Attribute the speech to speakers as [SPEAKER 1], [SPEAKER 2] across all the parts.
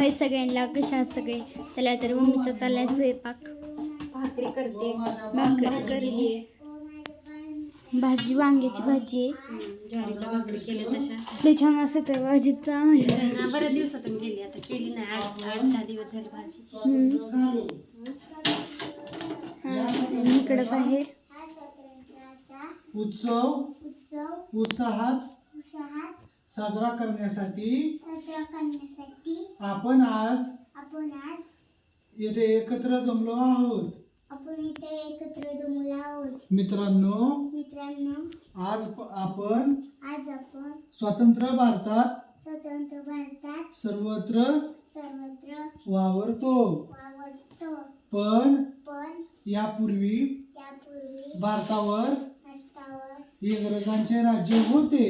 [SPEAKER 1] हाय सगळ्यांना, कशा आहात सगळे? त्याला तर मम्मीचा चाललाय स्वयंपाक.
[SPEAKER 2] भाकरी करते,
[SPEAKER 1] भाजी वांग्याची भाजी आहे.
[SPEAKER 2] ज्वारीच्या भाकरी केल्या तशा.
[SPEAKER 1] लय छान असते तर भाजीचा
[SPEAKER 2] बऱ्याच दिवसातून केली, आता केली नाही. 8-10 दिवस झाले भाजी.
[SPEAKER 1] इकडं बाहेर
[SPEAKER 3] उत्साहात साजरा करण्यासाठी आपण आज येथे एकत्र जमलो आहोत. मित्रांनो, आज आपण स्वतंत्र भारतात सर्वत्र वावरतो. पण यापूर्वी भारतावर इंग्रजांचे राज्य होते.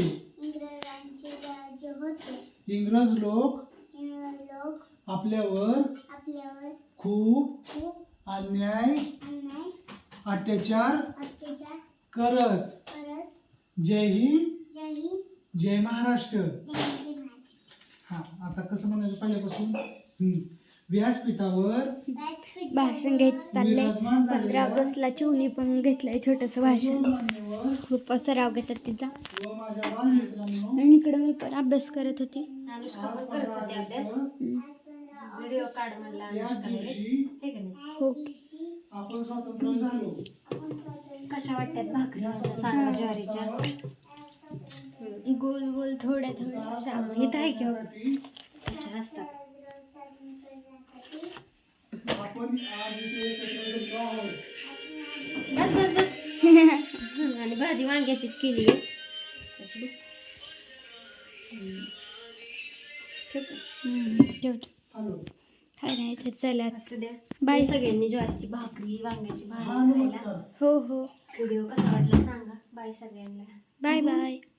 [SPEAKER 3] इंग्रज लोक आपल्यावर खूप अन्याय अत्याचार करत. जय हिंद, जय महाराष्ट्र. हा, आता कसं म्हणायचं पहिल्यापासून. व्यासपीठावर
[SPEAKER 1] भाषण घ्यायचं चाललंय. 15 ऑगस्टला चिवणी पण घेतलंय छोटंसं भाषण. खूप सराव घेतात तिचा. आणि इकडे मी पण अभ्यास करत होती.
[SPEAKER 2] व्हिडिओ काढ म्हणला.
[SPEAKER 1] हो,
[SPEAKER 3] आपण स्वतंत्र झालो.
[SPEAKER 2] कशा वाटतात भाकरी सांगा ज्वारीच्या?
[SPEAKER 1] गोल गोल थोड्या थोड्या इथं आहे किंवा
[SPEAKER 2] कशा असतात.
[SPEAKER 3] आपण आज इथे एकत्र जमलो आहोत.
[SPEAKER 2] बस बस बस. आणि भाजी वांग्याचीच केली आहे तशी.
[SPEAKER 3] हॅलो.
[SPEAKER 1] काय नाही ते चला
[SPEAKER 2] असू द्या.
[SPEAKER 1] बाय
[SPEAKER 2] सगळ्यांनी ज्वारीची भाकरी वांग्याची
[SPEAKER 3] हा,
[SPEAKER 2] भाजी खायला.
[SPEAKER 3] नमस्कार.
[SPEAKER 1] हो हो
[SPEAKER 2] व्हिडिओ कसा वाटला सांगा. बाय सगळ्यांना.
[SPEAKER 1] Bye bye.